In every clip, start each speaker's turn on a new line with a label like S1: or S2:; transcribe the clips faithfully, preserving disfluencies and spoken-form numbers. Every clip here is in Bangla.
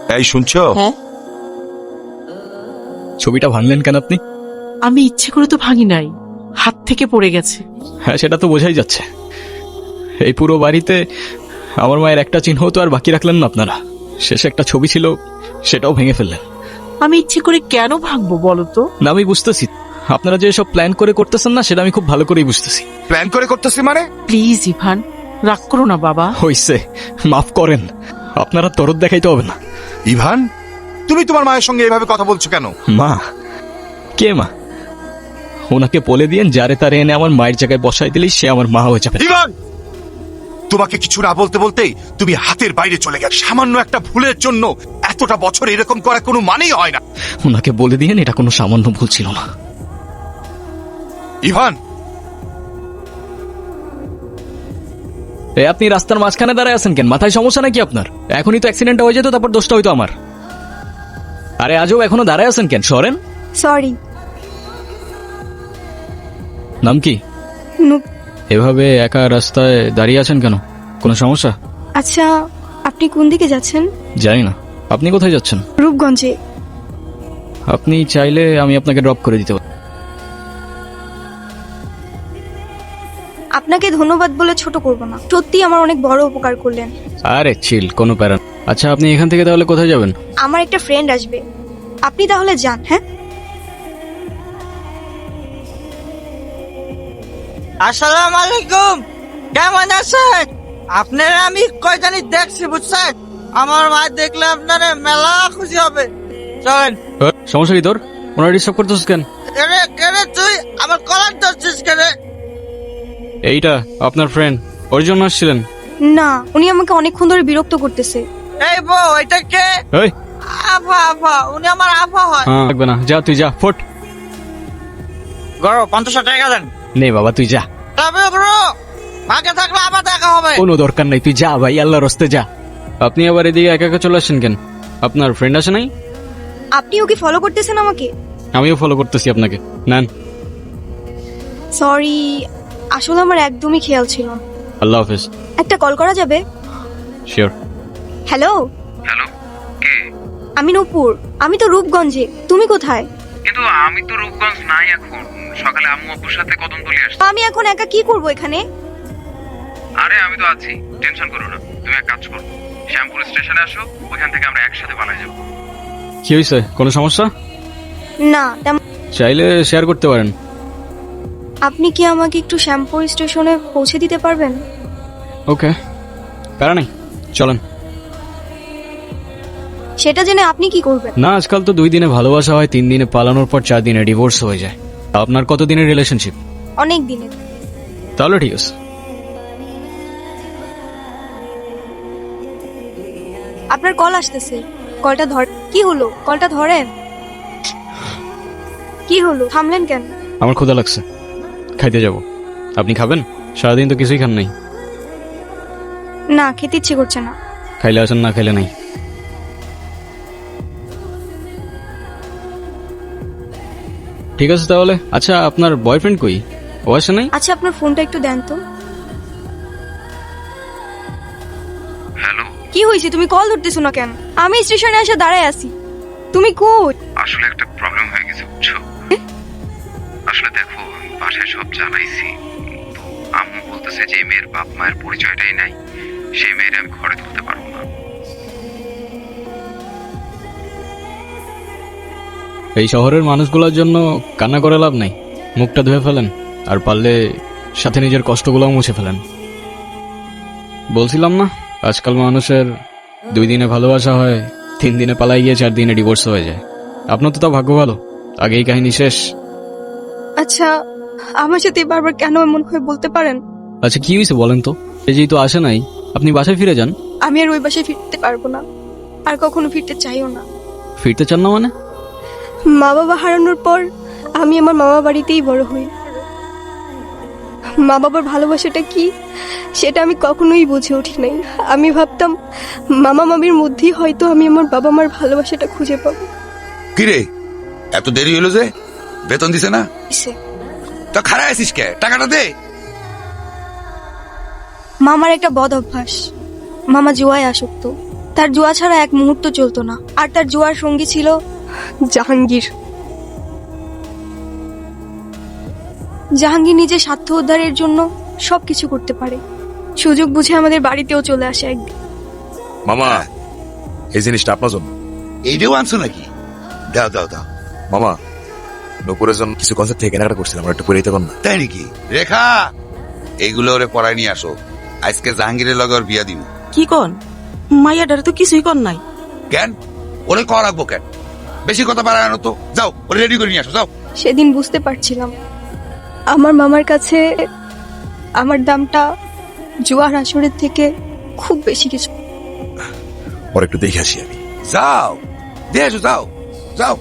S1: এই শুনছো?
S2: হ্যাঁ,
S3: ছবিটা ভাঙলেন কেন আপনি?
S2: আমি ইচ্ছে করে তো ভাঙি নাই, হাত থেকে পড়ে গেছে।
S3: হ্যাঁ, সেটা তো বোঝাই যাচ্ছে। এই পুরো বাড়িতে আমার মায়ের একটা চিহ্ন তো আর বাকি রাখলেন না আপনারা। শেষে একটা ছবি ছিল, সেটাও ভেঙে ফেললেন।
S2: আমি ইচ্ছে করে কেন ভাঙবো বলো তো?
S3: না, আমি বুঝতেছি আপনারা যে সব প্ল্যান করে করতেছেন না, সেটা আমি খুব ভালো করেই বুঝতেছি।
S1: প্ল্যান করে করতেছি মানে?
S2: প্লিজ ইভান, রাগ করো না বাবা।
S3: হইছে, মাফ করেন। আপনারা তরদ দেখাইতে হবে না।
S1: ইভান, তুমি তোমার মায়ের সঙ্গে এভাবে কথা বলছো কেন?
S3: মা? কে মা? ওনাকে বলে দিয়েন যারে তারে এনে আমার মায়ের জায়গায় বসাই দিলেই সে আমার মা হয়ে যাবে।
S1: ইভান, তোমাকে কিছু না বলতে বলতেই তুমি হাতের বাইরে চলে গেলে। সামান্য একটা ভুলের জন্য এতটা বছর এরকম করা কোনো মানেই হয় না।
S3: ওনাকে বলে দিয়েন এটা কোনো সামান্য ভুল ছিল না।
S1: ইভান,
S3: এ আপনি রাস্তার মাঝখানে দাঁড়ায় আছেন কেন? মাথায় সমস্যা নাকি আপনার? এখনই তো অ্যাক্সিডেন্ট হয়ে যেত, তারপর দোষটা হইতো আমার। আরে আজও এখনো দাঁড়ায় আছেন কেন? সরেন।
S4: সরি।
S3: নাম কি?
S4: নুপ।
S3: এভাবে একা রাস্তায় দাঁড়িয়ে আছেন কেন? কোনো সমস্যা?
S4: আচ্ছা, আপনি কোন দিকে যাচ্ছেন?
S3: জানি না। আপনি কোথায় যাচ্ছেন?
S4: রূপগঞ্জে।
S3: আপনি চাইলে আমি আপনাকে ড্রপ করে দিতে পারি।
S4: আপনাকে ধন্যবাদ বলে ছোট করব না, সত্যি আমার অনেক বড় উপকার করলেন।
S3: আরে চিল, কোনো প্যারা না। আচ্ছা, আপনি এখান থেকে তাহলে কোথায় যাবেন?
S4: আমার একটা ফ্রেন্ড আসবে, আপনি তাহলে যান। হ্যাঁ,
S5: আসসালামু আলাইকুম, কেমন আছেন আপনারা? আমি কয় জানি দেখছি, বুঝছেন? আমার মা দেখলে আপনারা মেলা খুশি হবে। চলেন।
S3: এ, সমস্যা কি তোর? ওনারা ডিস্টার্ব করতেছিস কেন?
S5: কেরে কেরে তুই আমার কলার ধরছিস কেরে?
S3: এইটা আপনার ফ্রেন্ড, ওর জন্য আসছিলেন?
S4: না, উনি আমাকে অনেকক্ষণ ধরে বিরক্ত করতেছে।
S5: এই বউ, এটা কে?
S3: এই
S5: আফা আফা, উনি আমার আফা হয়।
S3: হ্যাঁ, লাগবে না, যা তুই যা, ফোট।
S5: গরো পঞ্চাশ টাকা দেন।
S3: নে বাবা, তুই যা।
S5: তবে ব্রো, ভাগে থাকলে আবার দেখা হবে।
S3: কোনো দরকার নাই, তুই যা ভাই, আল্লাহর রাস্তে যা। আপনি আবার এদিকে একা একা চলে আসছেন কেন? আপনার ফ্রেন্ড আসে নাই?
S4: আপনি ওকে ফলো করতেছেন আমাকে?
S3: আমিও ফলো করতেছি আপনাকে। নেন।
S4: সরি, আসলে আমার একদমই খেয়াল ছিল না।
S3: আল্লাহ হাফেজ।
S4: একটা কল করা যাবে?
S3: শিওর।
S4: হ্যালো।
S6: হ্যালো, কে?
S4: আমি নূপুর, আমি তো রূপগঞ্জে। তুমি কোথায়?
S6: কিন্তু আমি তো রূপগঞ্জ নাই এখন। সকালে আম্মু আব্বুর সাথে কদমতলি আসছি।
S4: আমি এখন একা কি করব এখানে?
S6: আরে আমি তো আছি, টেনশন করো না। তুমি এক কাজ করো, শ্যামপুর স্টেশনে আসো, ওইখান থেকে আমরা একসাথে পালাই যাবো।
S3: কি হয়েছে? কোনো সমস্যা?
S4: না তেমন।
S3: চাইলে শেয়ার করতে পারেন।
S4: আপনি কি আমাকে একটু শ্যামপুর স্টেশনে পৌঁছে দিতে পারবেন?
S3: ওকে, প্যারা নেই, চলেন।
S4: সেটা জেনে আপনি কি করবেন?
S3: না, আজকাল তো দুই দিনে ভালোবাসা হয়, তিন দিনে পালানোর পর চার দিনে ডিভোর্স হয়ে যায়। আপনার কত দিনের রিলেশনশিপ?
S4: অনেক দিনের।
S3: তাহলে ঠিক আছে।
S4: আপনার কল আসতেছে, কলটা ধর। কি হলো? কলটা ধরেন। কি হলো, থামলেন কেন?
S3: আমার ক্ষুধা লাগছে, খাইতে যাব। আপনি খাবেন? সারাদিন তো কিছুই খান নাই।
S4: না, খেতে ইচ্ছে করছে না।
S3: খাইলে আসেন, না খাইলে নাই। ঠিক আছে তাহলে। আচ্ছা, আপনার বয়ফ্রেন্ড কই? ও আসে নাই?
S4: আচ্ছা, আপনার ফোনটা একটু দেন তো।
S6: হ্যালো,
S4: কি হয়েছে? তুমি কল ধরতেছো না কেন? আমি স্টেশনে এসে দাঁড়ায় আছি, তুমি কই?
S6: আসলে একটা প্রবলেম হয়ে গেছে, বুঝছো? আসলে দেখো, আমি বাসায় সব জানাইছি, তো আম্মু বলতেছে যে এই মেয়ের বাপ মায়ের পরিচয়টাই নাই, সেই মেয়ের আমি ঘরে তুলতে পারবো না।
S3: এই শহরের মানুষগুলোর জন্য কান্না করে লাভ নাই। মুখটা ধুয়ে ফেলেন, আর পারলে সাথে নিজের কষ্টগুলোও মুছে ফেলেন। বলছিলাম না, আজকাল মানুষের দুই দিনে ভালোবাসা হয়, তিন দিনে পালাই গিয়ে চার দিনে ডিভোর্স হয়ে যায়। আপনার তো তা ভাগ্য ভালো, আগেই কাহিনী শেষ।
S4: আচ্ছা, আমার সাথে বারবার কেন এমন হয়ে বলতে পারেন?
S3: আচ্ছা, কি হয়েছে বলেন তো? এই যেহেতু আসে নাই, আপনি বাসায় ফিরে যান।
S4: আমি আর ওই বাসায় ফিরতে পারবো না, আর কখনো ফিরতে চাইও না।
S3: ফিরতে চান না মানে?
S4: মা বাবা হারানোর পর আমি আমার মামা বাড়িতেই বড় হই। মা বাবার ভালোবাসাটা কি সেটা আমি কখনোই বুঝে উঠি নাই। আমি ভাবতাম মামা মামির মধ্যেই হয়তো আমি আমার বাবা মার ভালোবাসাটা খুঁজে পাবো।
S1: কিরে, এত দেরি হলো যে? বেতন দিছে না?
S4: ইসে,
S1: তো খারাপ আছিস কে? টাকাটা দে।
S4: মামার একটা বদ অভ্যাস, মামা জুয়ায় আসক্ত, তার জুয়া ছাড়া এক মুহূর্ত চলতো না, আর তার জুয়ার সঙ্গী ছিল জাহাঙ্গীর। জাহাঙ্গীর নিজের স্বার্থ উদ্ধারের জন্য সবকিছু করতে পারে। সুযোগ বুঝে আমাদের বাড়িতেও চলে আসে একদিন।
S7: মামা এই জিনিসটা আপনার জন্য।
S1: এইটাও আনছো নাকি? দাও দাও দাও।
S7: মামা নপুরের জন্য কিছু কনসার্ট থেকে কেনাকাটা করছিলাম, আমার একটু পরে দিতে পার না?
S1: তাই নাকি?
S8: রেখা, এইগুলো ওরে পড়ায় নিয়ে আসো। আজকে জাহাঙ্গীরের লগে ওর বিয়া দিন।
S2: কি কন? মাইয়াটার তো কিছুই কর নাই।
S8: কেন ওরে কর রাখবো কেন? বেশি কথা বাড়ায় আনো তো। যাও ওরে রেডি করে নিয়ে আসো, যাও।
S4: সেদিন বুঝতে পারছিলাম আমার মামার কাছে আমার দামটা জুয়ার আসরের থেকে খুব বেশি কিছু।
S7: ওর একটু দেখে আসি আমি।
S8: যাও দিয়ে আসো, যাও যাও।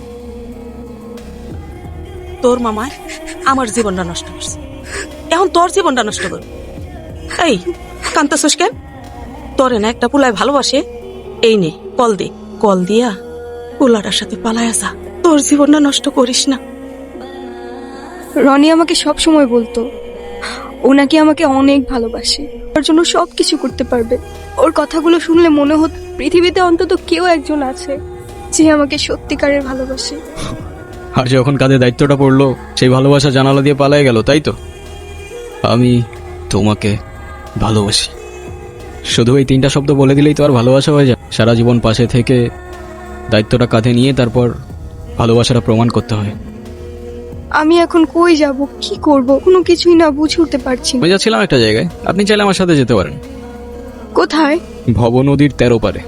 S2: তোর মামায় আমার জীবনটা নষ্ট করছে, এখন তোর জীবনটা নষ্ট করবে। এই কান্তাছস কেন? তোরে না একটা পুলায় ভালোবাসে, এই নে কল দে, কল দিয়া পুলাটার সাথে পালায় আসা, তোর জীবনটা নষ্ট করিস না।
S4: রনি আমাকে সব সময় বলতো ও নাকি আমাকে অনেক ভালোবাসে, ওর জন্য সব কিছু করতে পারবে। ওর কথাগুলো শুনলে মনে হতো পৃথিবীতে অন্তত কেউ একজন আছে যে আমাকে সত্যিকারের ভালোবাসে।
S3: আর যখন কাঁধে দায়িত্বটা পড়লো, সেই ভালোবাসা জানালা দিয়ে পালায় গেল, তাই তো? আমি তোমাকে ভালোবাসি, শুধু এই তিনটা শব্দ বলে দিলেই তো আর ভালোবাসা হয়ে যায়? সারা জীবন পাশে থেকে দায়িত্বটা কাঁধে নিয়ে তারপর ভালোবাসাটা প্রমাণ করতে হয়।
S4: আমি এখন কই যাব, কি করব, কোনো কিছুই না বুঝে উঠতে পারছি না।
S3: আমি যাচ্ছিলাম একটা জায়গায়, আপনি চাইলে আমার সাথে যেতে পারেন।
S4: কোথায়?
S3: ভব নদীর তেরো পারে।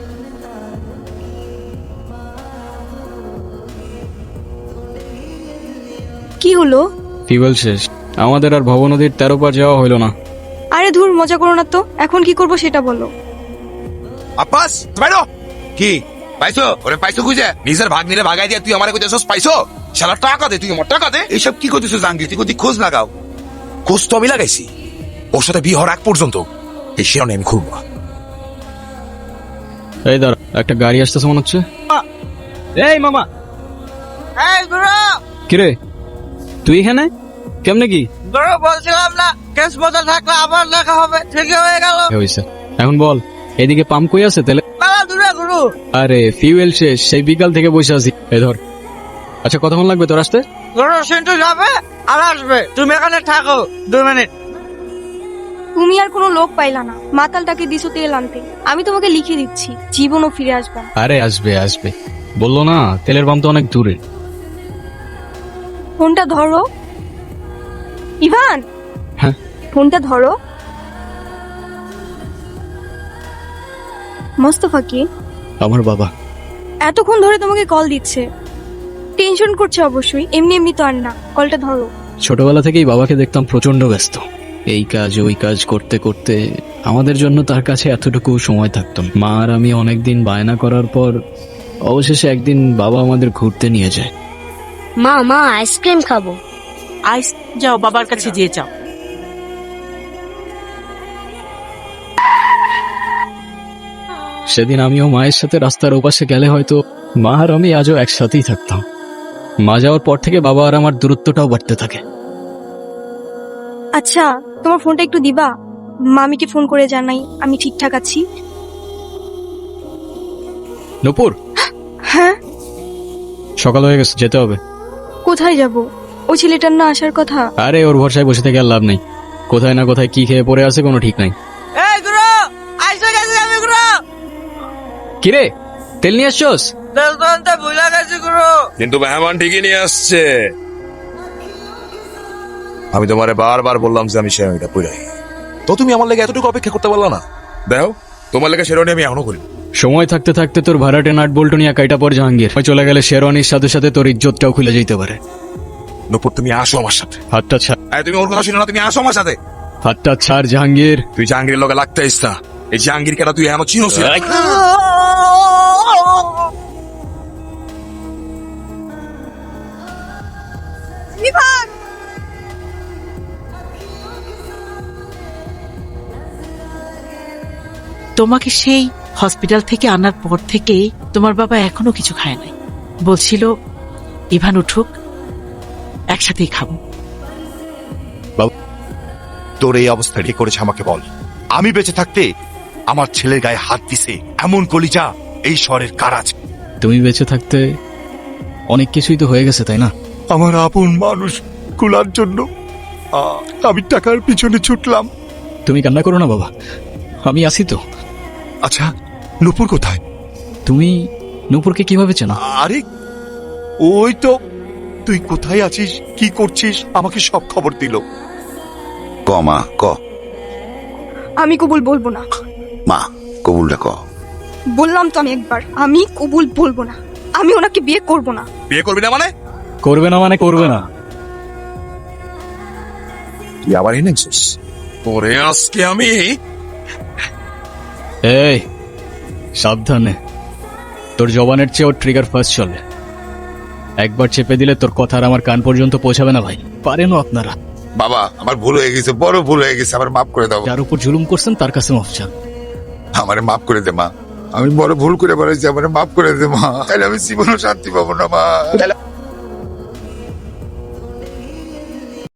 S4: কি হলো?
S3: ফিউয়েল শেষ, আমাদের আর ভব নদীর তেরো পার যাওয়া হইল না।
S4: আরে ধুর, মজা করো না তো। এখন কি করব সেটা বলো।
S8: আব্বাস বাইরো। কি পাইছো? ওরে পাইছো খুঁজে? নিজের ভাগ নিলে ভাগাই দিয়ে তুই আমারে কইতেছস পাইছো? শালা টাকা দে, তুই আমার টাকা দে। এইসব কি করতেছো জাহাঙ্গীর? তুই কোথায় খোঁজ লাগাও।
S7: খোঁজ তো আমি লাগাইছি, ওর সাথে বিয়ে হওয়ার আগ পর্যন্ত এই শিরোনে আমি খুলবো।
S3: এই দাঁড়া, একটা গাড়ি আসতেছে মনে হচ্ছে। এই মামা।
S5: এই গুরু,
S3: কিরে তুই এখানে কেমনে? কি
S5: গুরু বলছিলাম না কেস বদল থাকলে আবার দেখা হবে, ঠিকই হয়ে গেল।
S3: হয়েছে, এখন বল এদিকে পাম্প কই আছে তেলে?
S5: মেলা দূরে গুরু।
S3: আরে ফিউয়েল শেষ, সেই বিকাল থেকে বসে আছি। এই ধর। আচ্ছা কতক্ষণ লাগবে তোর আসতে?
S5: গুরু সিন্টু যাবে আর আসবে, তুমি এখানে থাকো দুই মিনিট।
S4: তুমি আর কোনো লোক পাইলা না, মাতালটাকে দিছো তেল আনতে। আমি তোমাকে লিখে দিচ্ছি, জীবনও ফিরে আসবে না।
S3: আরে আসবে আসবে, বললো না তেলের পাম্প তো অনেক দূরে।
S4: ফোনটা ধরো ইভান।
S3: হ্যাঁ
S4: ফোনটা ধরো। মোস্তফা কি?
S3: আমার বাবা।
S4: এতক্ষণ ধরে তোমাকে কল দিচ্ছে, টেনশন করছে অবশ্যই। এমনি এমনি তো আর না, কলটা ধরো।
S3: ছোটবেলা থেকেই বাবাকে দেখতাম প্রচন্ড ব্যস্ত, এই কাজ ওই কাজ করতে করতে আমাদের জন্য তার কাছে এতটুকু সময় থাকতো না। মা আর আমি অনেকদিন বায়না করার পর অবশেষে একদিন বাবা আমাদের ঘুরতে নিয়ে যায়।
S9: মা মা আইসক্রিম খাবো।
S2: আইস যাও, বাবার কাছে যেয়ে যাও।
S3: সেদিন আমিও মায়ের সাথে রাস্তার ওপাশে গেলে হয়তো মা আর আমি আজও একসাথেই থাকতাম। মা যাওয়ার পর থেকে বাবা আর আমার দূরত্বটাও বাড়তে থাকে।
S4: আচ্ছা তোমার ফোনটা একটু দিবা, মামিকে ফোন করে জানাই আমি ঠিকঠাক আছি।
S3: নূপুর,
S4: হ্যাঁ
S3: সকাল হয়ে গেছে, যেতে হবে।
S4: কোথায় যাব? ওই ছেলেটার না আসার কথা।
S3: আরে ওর ভরসায় বসে থেকে আর লাভ নেই, কোথায় না কোথায় কি খেয়ে পড়ে আছে কোনো ঠিক নাই।
S5: এই গুরু, আইসে গেছি আমি গুরু।
S3: কিরে তেল নিয়ে আসছোস?
S5: তেল তো আনতে ভুলে গেছি গুরু।
S7: কিন্তু মেহমান ঠিকই নিয়ে আসছে। আমি তোমারে বারবার বললাম যে আমি শেরওয়ানিটা পরাই, তো তুমি আমার লেগে এতটুকু অপেক্ষা করতে পারলা না? দেখো তোমার লেগে শেরওয়ানি আমি এখনো করি।
S3: সময় থাকতে থাকতে তোর ভাড়াটে নাট বল্টু নিয়ে কাইটা পর জাহাঙ্গীর চলে গেলে শেরওয়ানির সাথে সাথে তোর ইজ্জতটাও খুলে যেতে পারে।
S7: নূপুর তুমি আসো আমার সাথে।
S3: হাতটা ছাড়।
S7: আরে তুমি ওর কথা শুনো না, তুমি আসো আমার সাথে।
S3: হাতটা ছাড় জাহাঙ্গীর।
S7: তুই জাহাঙ্গীরের লগে লাগতে ইচ্ছা, এই জাহাঙ্গীর কেটা তুই এমন চিনোস?
S2: তোমাকে সেই হসপিটাল থেকে আনার পর থেকে তোমার বাবা এখনো কিছু খায় নাই। বলছিল ইভান উঠুক, একসাথেই খাবো।
S1: তোর এই অবস্থা কি করেছে আমাকে বল। আমি বেঁচে থাকতে আমার ছেলের গায়ে হাত দিছে এমন কলিজা এই শহরের কার আছে?
S3: তুমি বেঁচে থাকতে অনেক কিছুই তো হয়ে গেছে তাই না?
S1: আমার আপন মানুষ গুলার জন্য আহ, আমি টাকার পিছনে ছুটলাম।
S3: তুমি কান্না করো না বাবা, আমি আছি তো।
S1: আচ্ছা, নূপুর কোথায়?
S3: তুমি নূপুরকে কিভাবে চেনো?
S1: আরে ওই তো, তুই কোথায় আছিস, কি করছিস, আমাকে সব খবর দিল।
S8: ক মা ক,
S4: আমি কবুল বলবো না।
S8: মা কবুলটা ক।
S4: বললাম তো আমি একবার, আমি কবুল বলবো না। আমি ওনাকে বিয়ে করব না।
S8: বিয়ে করবি না মানে?
S3: করবে না মানে করবে না।
S8: তুই আবার এনেছিস? ওরে আজকে আমি
S3: এই সাবধানে, তোর জবানের চেয়ে ওর ট্রিগার ফার্স্ট চলে। একবার চেপে দিলে তোর কথা আর আমার কান পর্যন্ত পৌঁছাবে না ভাই। পারেনও আপনারা।
S8: বাবা আমার ভুল হয়ে গেছে, বড় ভুল হয়ে গেছে, আমার মাফ করে দাও।
S3: যার উপর জুলুম করছেন তার কাছে মাফ চান।
S8: আমারে মাফ করে দে মা, আমি বড় ভুল করে বেড়াইছি, আমারে মাফ করে দে মা, তাহলে আমি জীবনও শান্তি পাবো না মা।